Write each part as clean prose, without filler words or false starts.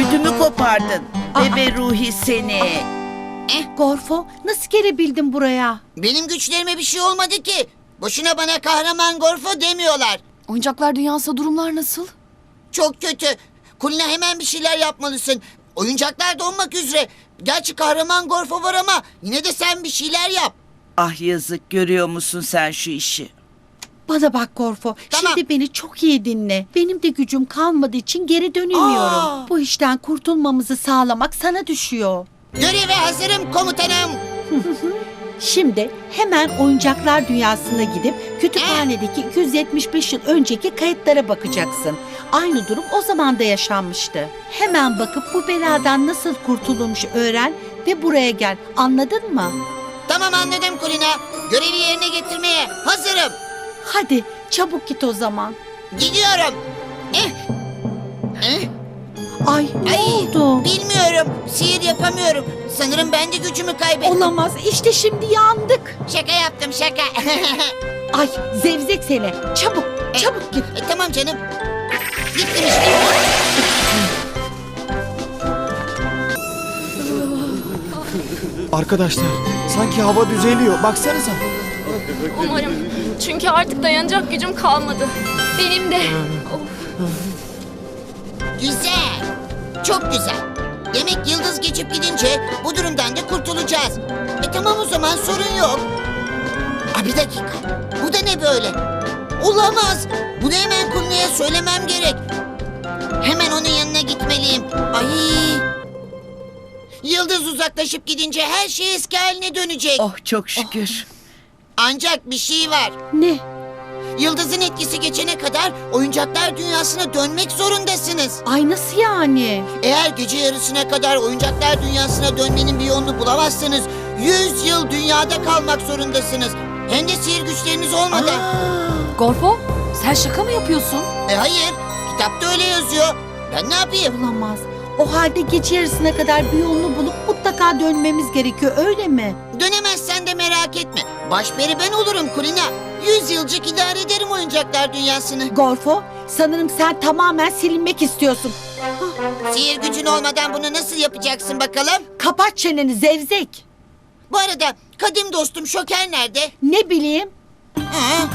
Ödümü kopardın. Bebe Ruhi seni. Gorfo, nasıl gelebildin buraya? Benim güçlerime bir şey olmadı ki. Boşuna bana kahraman Gorfo demiyorlar. Oyuncaklar dünyasında durumlar nasıl? Çok kötü. Kulina hemen bir şeyler yapmalısın. Oyuncaklar donmak üzere. Gerçi kahraman Gorfo var ama yine de sen bir şeyler yap. Ah yazık, görüyor musun sen şu işi? Bana bak Gorfo, Tamam. şimdi beni çok iyi dinle. Benim de gücüm kalmadığı için geri dönemiyorum. Aa! Bu işten kurtulmamızı sağlamak sana düşüyor. Göreve hazırım komutanım. Şimdi hemen oyuncaklar dünyasına gidip kütüphanedeki 275 yıl önceki kayıtlara bakacaksın. Aynı durum o zaman da yaşanmıştı. Hemen bakıp bu beladan nasıl kurtulmuş öğren ve buraya gel. Anladın mı? Tamam anladım Kulina. Görevi yerine getirmeye hazırım. Hadi çabuk git o zaman. Gidiyorum. Ay ne oldu? Bilmiyorum. Sihir yapamıyorum. Sanırım ben de gücümü kaybettim. Olamaz. İşte şimdi yandık. Şaka yaptım şaka. Ay zevzek seni. Çabuk, çabuk git. Tamam canım. Gittim işte. Arkadaşlar sanki hava düzeliyor. Baksanıza. Umarım. Çünkü artık dayanacak gücüm kalmadı. Benim de. Güzel. Çok güzel. Demek yıldız geçip gidince bu durumdan da kurtulacağız. Tamam o zaman sorun yok. Bir dakika. Bu da ne böyle? Olamaz. Bunu hemen Kulina'ya söylemem gerek. Hemen onun yanına gitmeliyim. Ay. Yıldız uzaklaşıp gidince her şey eski haline dönecek. Oh çok şükür. Ancak bir şey var. Ne? Yıldızın etkisi geçene kadar oyuncaklar dünyasına dönmek zorundasınız. Ay nasıl yani? Eğer gece yarısına kadar oyuncaklar dünyasına dönmenin bir yolunu bulamazsanız 100 yıl dünyada kalmak zorundasınız. Hem de sihir güçleriniz olmadan. Gorfo, sen şaka mı yapıyorsun? Hayır, kitapta öyle yazıyor. Ben ne yapayım? Olamaz. O halde gece yarısına kadar bir yolunu bulup mutlaka dönmemiz gerekiyor öyle mi? Dönemezsen de merak etme. Başperi ben olurum Kulina. 100 yılcık idare ederim oyuncaklar dünyasını. Gorfo, sanırım sen tamamen silinmek istiyorsun. Sihir gücün olmadan bunu nasıl yapacaksın bakalım? Kapat çeneni zevzek. Bu arada kadim dostum Şoker nerede? Ne bileyim? Ha?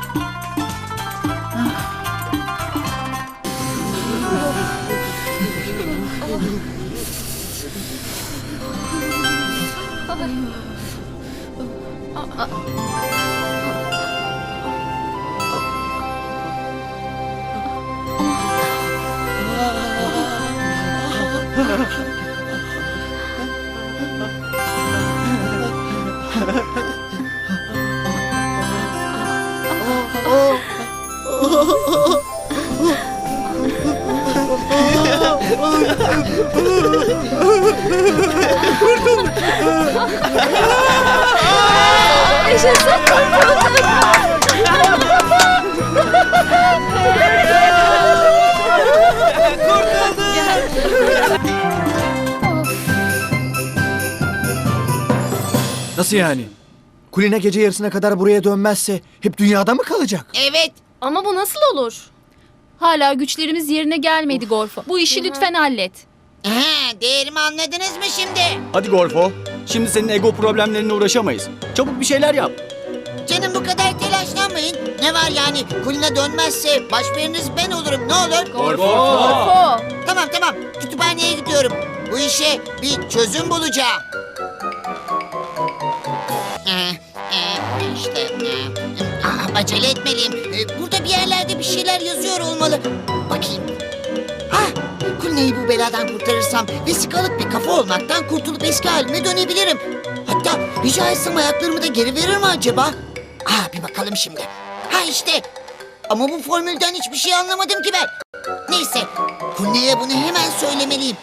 Nasıl yani? Kulina gece yarısına kadar buraya dönmezse hep dünyada mı kalacak? Evet. Ama bu nasıl olur? Hala güçlerimiz yerine gelmedi Gorfo. Bu işi lütfen hallet. Değerimi anladınız mı şimdi? Hadi Gorfo. Şimdi senin ego problemlerine uğraşamayız. Çabuk bir şeyler yap. Canım bu kadar telaşlanmayın. Ne var yani? Kulina dönmezse başperiniz ben olurum. Ne olur? Gorfo. Tamam. Kütüphaneye gidiyorum. Bu işe bir çözüm bulacağım. Acele etmeliyim. Burada bir yerlerde bir şeyler yazıyor olmalı. Bakayım. Kulina'yı bu beladan kurtarırsam vesikalık bir kafa olmaktan kurtulup eski halime dönebilirim. Hatta rica etsem ayaklarımı da geri verir mi acaba? Bir bakalım şimdi. İşte. Ama bu formülden hiçbir şey anlamadım ki ben. Neyse. Kulina'ya bunu hemen söylemeliyim.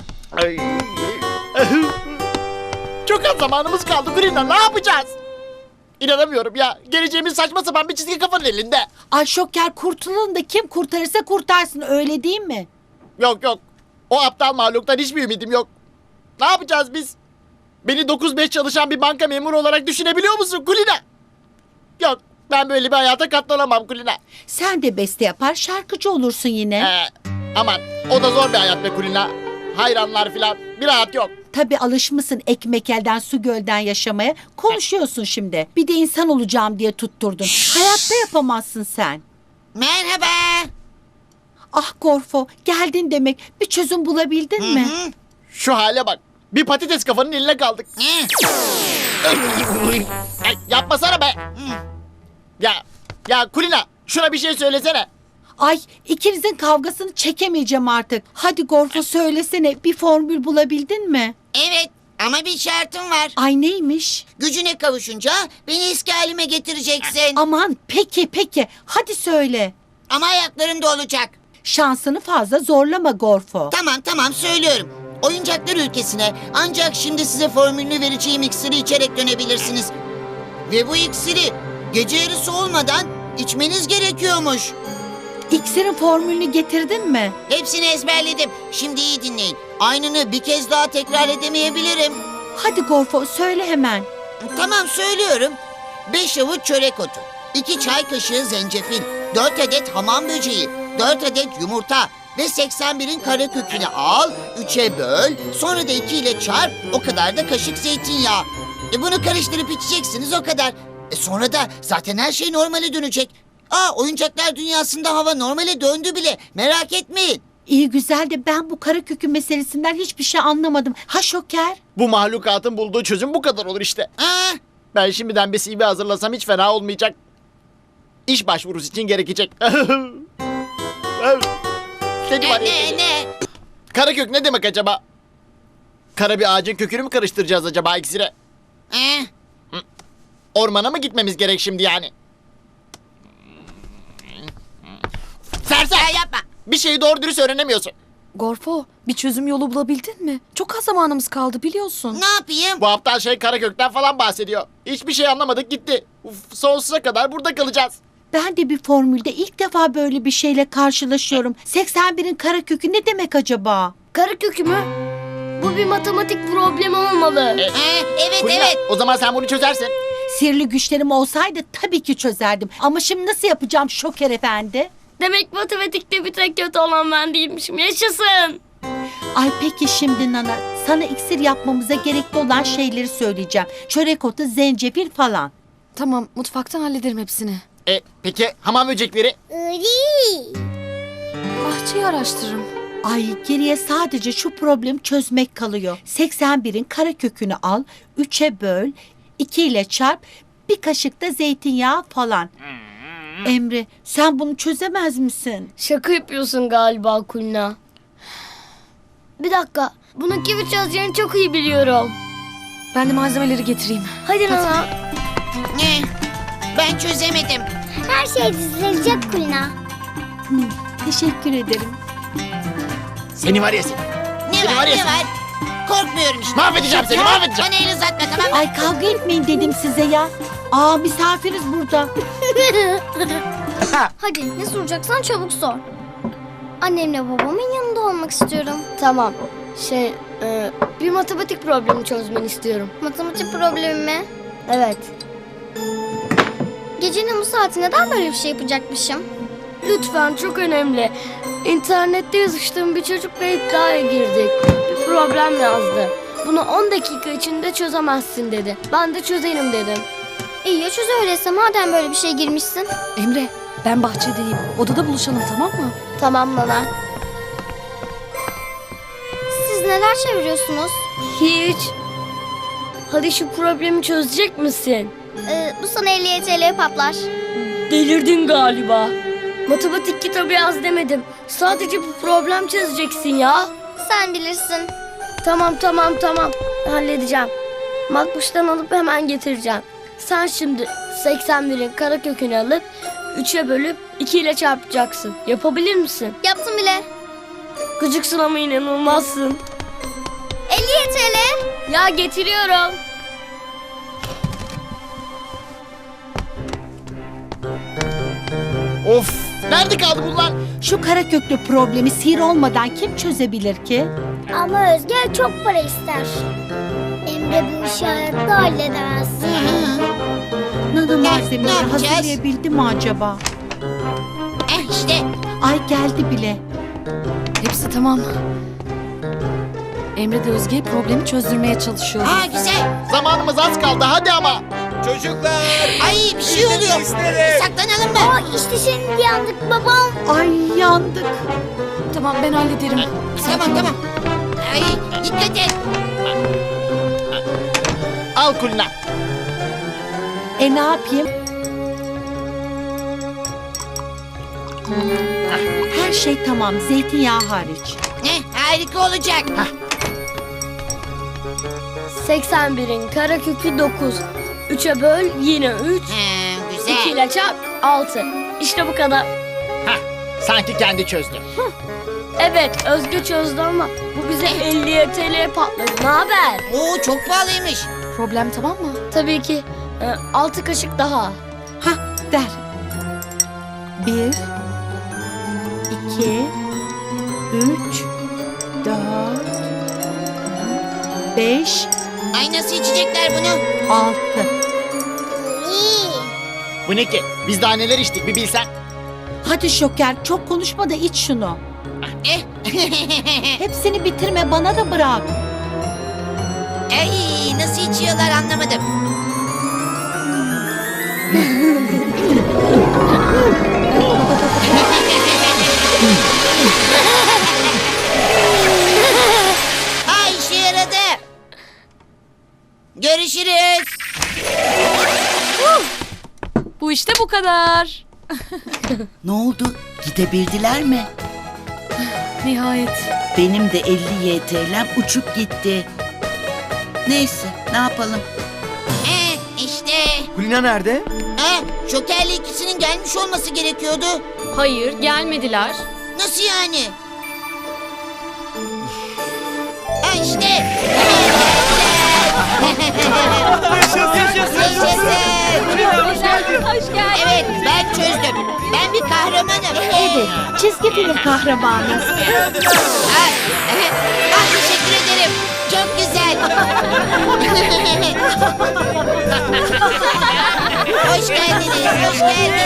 Çok az zamanımız kaldı Kulina, ne yapacağız? İnanamıyorum ya. Geleceğimiz saçma sapan bir çizgi kafanın elinde. Ay Şoker kurtulalım da kim kurtarırsa kurtarsın öyle değil mi? Yok. O aptal mahluktan hiçbir ümidim yok. Ne yapacağız biz? Beni 9-5 çalışan bir banka memuru olarak düşünebiliyor musun Kulina? Yok. Ben böyle bir hayata katlanamam Kulina. Sen de beste yapar şarkıcı olursun yine. Aman o da zor bir hayat be Kulina. hayranlar filan. Bir rahat yok. Tabii alışmışsın ekmek elden su gölden yaşamaya. Konuşuyorsun şimdi. Bir de insan olacağım diye tutturdun. Hayatta yapamazsın sen. Merhaba. Ah Gorfo, geldin demek. Bir çözüm bulabildin mi? Şu hale bak. Bir patates kafanın eline kaldık. Ay, yapmasana be. Ya Kulina, şuna bir şey söylesene. Ay, ikinizin kavgasını çekemeyeceğim artık. Hadi Gorfo söylesene, bir formül bulabildin mi? Evet ama bir şartım var. Ay neymiş? Gücüne kavuşunca beni eski halime getireceksin. Aman peki. Hadi söyle. Ama ayaklarımda olacak. Şansını fazla zorlama Gorfo. Tamam söylüyorum. Oyuncaklar ülkesine ancak şimdi size formülünü vereceğim iksiri içerek dönebilirsiniz. Ve bu iksiri gece yarısı olmadan içmeniz gerekiyormuş. İksirin formülünü getirdin mi? Hepsini ezberledim. Şimdi iyi dinleyin. Aynını bir kez daha tekrar edemeyebilirim. Hadi Gorfo söyle hemen. Tamam söylüyorum. 5 avuç çörek otu, 2 çay kaşığı zencefil, 4 adet hamam böceği, 4 adet yumurta ve 81'in kara kökünü al, 3'e böl, sonra da 2 ile çarp, o kadar da kaşık zeytinyağı. Bunu karıştırıp içeceksiniz o kadar. Sonra da zaten her şey normale dönecek. Oyuncaklar dünyasında hava normale döndü bile. Merak etmeyin. İyi güzel de ben bu kara kökü meselesinden hiçbir şey anlamadım. Ha Şoker? Bu mahlukatın bulduğu çözüm bu kadar olur işte. Ben şimdiden bir CV hazırlasam hiç fena olmayacak. İş başvurusu için gerekecek. Seni var ya seni. Ne? Karakök ne demek acaba? Kara bir ağacın kökünü mü karıştıracağız acaba iksire? Ormana mı gitmemiz gerek şimdi yani? Sersem yapma. Bir şeyi doğru dürüst öğrenemiyorsun. Gorfo, bir çözüm yolu bulabildin mi? Çok az zamanımız kaldı biliyorsun. Ne yapayım? Bu aptal şey Karakök'ten falan bahsediyor. Hiçbir şey anlamadık gitti. Sonsuza kadar burada kalacağız. Ben de bir formülde ilk defa böyle bir şeyle karşılaşıyorum. 81'in kara kökü ne demek acaba? Kara kökü mü? Bu bir matematik problemi olmalı. Evet Kulina, o zaman sen bunu çözersin. Sihirli güçlerim olsaydı tabii ki çözerdim. Ama şimdi nasıl yapacağım Şoker Efendi? Demek matematikte bir tek kötü olan ben değilmişim. Yaşasın. Ay peki şimdi Nana, sana iksir yapmamıza gerekli olan şeyleri söyleyeceğim. Çörek otu, zencefil falan. Tamam, mutfaktan hallederim hepsini. Peki hamam böcekleri? Bahçeyi araştırırım. Ay geriye sadece şu problemi çözmek kalıyor. 81'in kara kökünü al, 3'e böl, 2 ile çarp, bir kaşık da zeytinyağı falan. Emre, sen bunu çözemez misin? Şaka yapıyorsun galiba Kulina. Bir dakika. Bunu kimi çözeceğini çok iyi biliyorum. Ben de malzemeleri getireyim. Hadi Nana. Ne? Ben çözemedim. Her şey düzelecek Kulina. Teşekkür ederim. Seni var ya seni. Ne var? Korkmuyorum işte. Mahvedeceğim seni, mahvedeceğim. Bana el uzatma tamam mı? Ay kavga etmeyin dedim size ya. Aa misafiriz burada. Hadi ne soracaksan çabuk sor. Annemle babamın yanında olmak istiyorum. Tamam. Bir matematik problemi çözmeni istiyorum. Matematik problemi mi? Evet. Gecenin bu saati neden böyle bir şey yapacakmışım? Lütfen çok önemli. İnternette yazıştığım bir çocukla iddiaya girdik. Bir problem yazdı. Bunu 10 dakika içinde çözemezsin dedi. Ben de çözerim dedim. İyi ya çöz öyleyse madem böyle bir şey girmişsin. Emre, ben bahçedeyim. Odada buluşalım, tamam mı? Tamam Nana. Siz neler çeviriyorsunuz? Hiç. Hadi şu problemi çözecek misin? Bu sana 50 TL patlar. Delirdin galiba. Matematik kitabı yaz demedim. Sadece bu problem çözeceksin ya. Sen bilirsin. Tamam. Halledeceğim. Makbuştan alıp hemen getireceğim. Sen şimdi 81'in kara kökünü alıp 3'e bölüp 2 ile çarpacaksın. Yapabilir misin? Yaptım bile. Gıcıksın ama inanılmazsın. 50 TL. Ya getiriyorum. Of! Nerede kaldı bunlar? Şu kara köklü problemi sihir olmadan kim çözebilir ki? Ama Özge çok para ister. Emre bu işi hayatta halledemez. Nana Ne malzemeleri yapacağız? hazırlayabildi mi acaba? İşte. Ay geldi bile. Hepsi tamam. Emre de Özge'ye problemi çözdürmeye çalışıyor. Aa güzel. Zamanımız az kaldı hadi ama. Ay bir şey oluyor. Saklanalım mı? Aa işte şimdi yandık babam. Ay yandık. Tamam ben hallederim. Tamam. Ay dikkat et. Al Kulina. Ne yapayım? Her şey tamam, zeytinyağı hariç. Harika olacak. 81'in karekökü 9. 3'e böl yine 3. 2 Güzel. ile çarp 6. İşte bu kadar. Sanki kendi çözdü. Evet Özge çözdü ama bu bize 50 TL patladı. Ne haber? Oo çok pahalıymış. Problem tamam mı? Tabii ki 6 kaşık daha. Hah, der. 1, 2, 3, 4, 5, Ay nasıl içecekler bunu? 6. İyi. Bu ne ki? Biz daha neler içtik bir bilsen. Hadi Şoker, çok konuşma da iç şunu. Eh. Hepsini bitirme, bana da bırak. Ay nasıl içiyorlar anlamadım. Ay işe yaradı. Görüşürüz. Bu işte bu kadar. Ne oldu? Gidebildiler mi? Nihayet. Benim de 50 YTL'm uçup gitti. Neyse, ne yapalım? İşte. Kulina nerede? Şokerli ikisinin gelmiş olması gerekiyordu. Hayır, gelmediler. Nasıl yani? İşte. Yaşasın. Hoş geldin. Evet ben çözdüm. Ben bir kahramanım. Evet, çizgi film kahramanı. Teşekkür ederim. Çok güzel. Hoş geldiniz. Hoş geldiniz.